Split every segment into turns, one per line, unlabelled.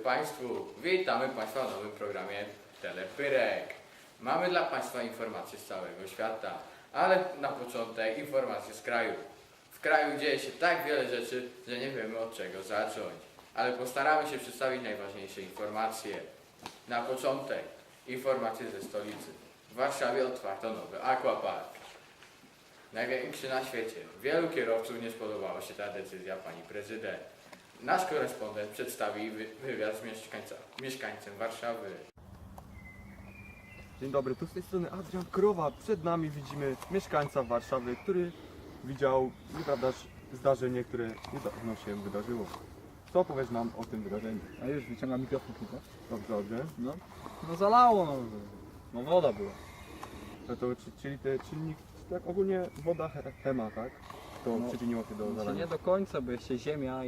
Państwu, witamy Państwa w nowym programie Telepyrek. Mamy dla Państwa informacje z całego świata, ale na początek informacje z kraju. W kraju dzieje się tak wiele rzeczy, że nie wiemy od czego zacząć, ale postaramy się przedstawić najważniejsze informacje. Na początek informacje ze stolicy. W Warszawie otwarto nowy aquapark. Największy na świecie. Wielu kierowców nie spodobała się ta decyzja pani prezydent. Nasz korespondent przedstawi wywiad z mieszkańcem Warszawy.
Dzień dobry, tu z tej strony Adrian Krowa. Przed nami widzimy mieszkańca Warszawy, który widział nieprawdaż zdarzenie, które niedawno się wydarzyło. Co powiesz nam o tym wydarzeniu?
A już wyciągam mikrofon tylko.
Dobrze, dobrze.
No zalało, no woda była.
No to, czyli ten czynnik, tak ogólnie woda, chema, tak? To
No,
przyczyniło się do
Znaczy
zalania.
nie do końca, bo jeszcze ziemia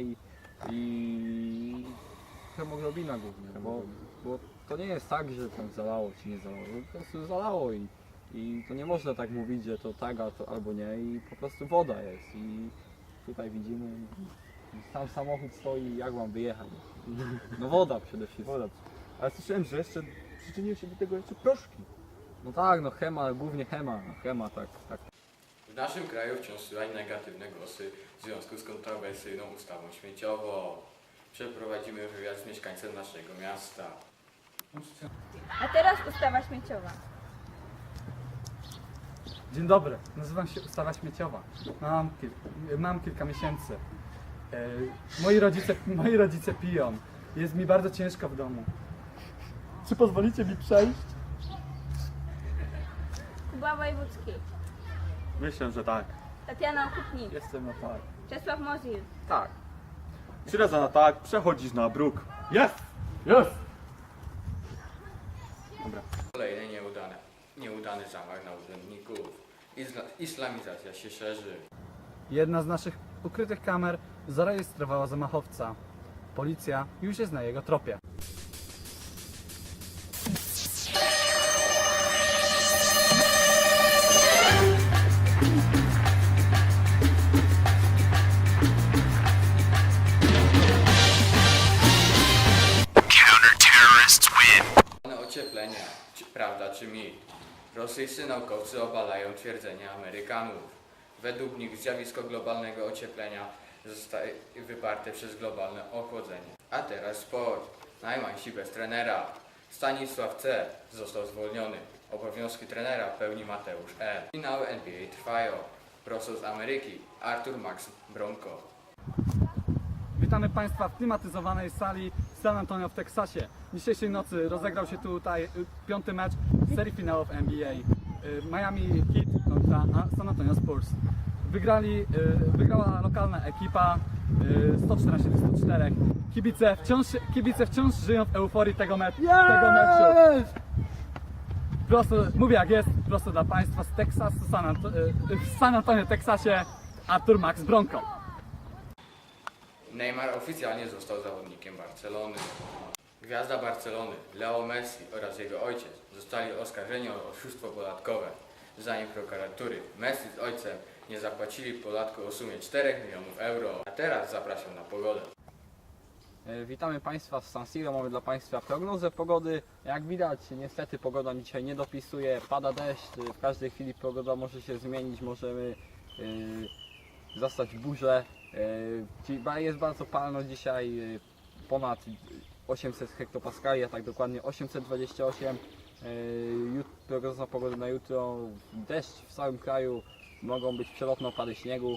i hemoglobina głównie, bo to nie jest tak, że tam zalało czy nie zalało, po prostu zalało i to nie można tak mówić, że to tak albo nie i po prostu woda jest i tutaj widzimy sam samochód stoi, jak mam wyjechać. No woda przede wszystkim.
Woda. Ale słyszałem, że jeszcze przyczyniły się do tego jeszcze proszki.
No tak, no chema, głównie chema, tak.
W naszym kraju wciąż słychać negatywne głosy w związku z kontrowersyjną ustawą śmieciową. Przeprowadzimy wywiad z mieszkańcem naszego miasta.
A teraz ustawa śmieciowa.
Dzień dobry, nazywam się Ustawa Śmieciowa. Mam kilka miesięcy. Moi rodzice piją. Jest mi bardzo ciężko w domu. Czy pozwolicie mi przejść?
Kuba Wojewódzki,
Myślę, że tak.
Tatiana Okupnik,
Jestem na tak.
Czesław Mozil.
Tak.
3 razy na tak, przechodzisz na bruk. Jest! Jest! Dobra.
Kolejny nieudany zamach na urzędników. Islamizacja się szerzy.
Jedna z naszych ukrytych kamer zarejestrowała zamachowca. Policja już jest na jego tropie.
Ocieplenia, prawda czy mit? Rosyjscy naukowcy obalają twierdzenia Amerykanów. Według nich zjawisko globalnego ocieplenia zostaje wyparte przez globalne ochłodzenie. A teraz sport. Najmańsi bez trenera. Stanisław C. został zwolniony. Obowiązki trenera pełni Mateusz M. Finały NBA trwają. Prosto z Ameryki Artur Max Bronco.
Witamy Państwa w klimatyzowanej sali San Antonio w Teksasie. Dzisiejszej nocy rozegrał się tutaj 5. mecz serii finałów NBA. Miami Heat kontra San Antonio Spurs. Wygrała lokalna ekipa 114 do 104. Kibice wciąż żyją w euforii tego meczu. Prosto, mówię jak jest, prosto dla Państwa z Teksasu, w San Antonio, Teksasie, Artur Max Bronco.
Neymar oficjalnie został zawodnikiem Barcelony. Gwiazda Barcelony, Leo Messi oraz jego ojciec zostali oskarżeni o oszustwo podatkowe. Zdaniem prokuratury Messi z ojcem nie zapłacili podatku o sumie 4 milionów euro. A teraz zapraszam na pogodę.
Witamy Państwa z San Siro, mamy dla Państwa prognozę pogody. Jak widać, niestety pogoda dzisiaj nie dopisuje, pada deszcz, w każdej chwili pogoda może się zmienić, możemy zastać burzę. Jest bardzo palno dzisiaj, ponad 800 hektopaskali, a tak dokładnie 828. Prognoza pogody na jutro, deszcz w całym kraju, mogą być przelotne opady śniegu.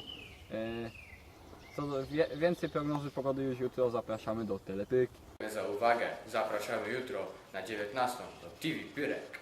Więcej prognozy pogody już jutro, zapraszamy do Telepyrki.
Za uwagę zapraszamy jutro na 19 do TV Pyrek.